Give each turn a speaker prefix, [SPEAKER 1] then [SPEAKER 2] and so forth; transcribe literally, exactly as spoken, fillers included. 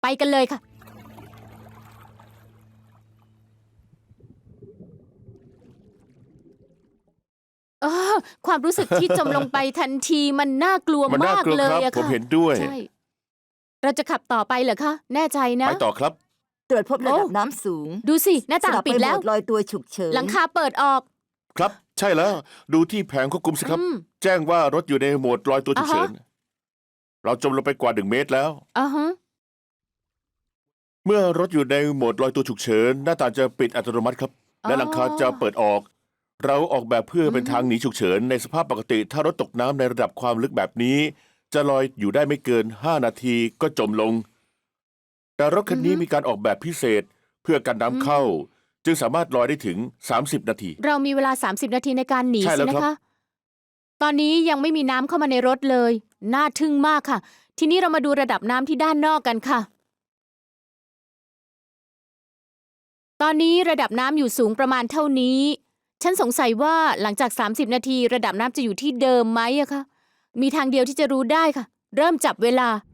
[SPEAKER 1] ไปกันเลยค่ะเออความรู้สึกที่จมลงไปทันทีมันน่ากลัว
[SPEAKER 2] มันน่าม
[SPEAKER 1] าก
[SPEAKER 2] กลัว
[SPEAKER 1] เล
[SPEAKER 2] ครับ
[SPEAKER 1] ยอะ
[SPEAKER 2] ผม
[SPEAKER 1] ค่ะ
[SPEAKER 2] เห็นด้วย
[SPEAKER 1] ใช่เราจะขับต่อไปเหรอคะแน่ใจนะ
[SPEAKER 2] ไปต่อครับ
[SPEAKER 3] ตรวจพบระดับ
[SPEAKER 1] โอ้
[SPEAKER 3] น้ำสูง
[SPEAKER 1] ดูสิหน้าต่าง
[SPEAKER 3] สลับ
[SPEAKER 1] ปิด
[SPEAKER 3] ไปโหม
[SPEAKER 1] แล้ว
[SPEAKER 3] ดลอยตัวฉุกเฉิน
[SPEAKER 1] หลังคาเปิดออก
[SPEAKER 2] ครับ ใช่แล้ว ดูที่แผงควบคุมสิครับ
[SPEAKER 1] อืม
[SPEAKER 2] แจ้งว่ารถอยู่ในโหมดลอยตัวฉุกเฉิน
[SPEAKER 1] อ่าฮะ
[SPEAKER 2] เราจมลงไปกว่าหนึ่งเมตรแล้ว
[SPEAKER 1] อ่าฮะ
[SPEAKER 2] เมื่อรถอยู่ในโหมดลอยตัวฉุกเฉินหน้าต่างจะปิดอัตโนมัติครับ และหลังคาจะเปิดออก เราออกแบบเพื่อเป็นทางหนีฉุกเฉินในสภาพปกติ ถ้ารถตกน้ำในระดับความลึกแบบนี้ จะลอยอยู่ได้ไม่เกินห้านาทีก็จมลง แต่รถคันนี้
[SPEAKER 1] อือฮึ
[SPEAKER 2] มีการออกแบบพิเศษเพื่อกันน้ำเข้า จึงสามารถลอยได้ถึงสามสิบนาที
[SPEAKER 1] เรามีเวลาสามสิบนาทีในการหนี
[SPEAKER 2] ใช่แล้
[SPEAKER 1] สิ
[SPEAKER 2] ว
[SPEAKER 1] นะครับ คะ ตอนนี้ยังไม่มีน้ำเข้ามาในรถเลย น่าทึ่งมากค่ะ ทีนี้เรามาดูระดับน้ำที่ด้านนอกกันค่ะ ตอนนี้ระดับน้ำอยู่สูงประมาณเท่านี้ ฉันสงสัยว่าหลังจากสามสิบนาทีระดับน้ำจะอยู่ที่เดิมไหมอะคะ มีทางเดียวที่จะรู้ได้ค่ะ เริ่มจับเวลา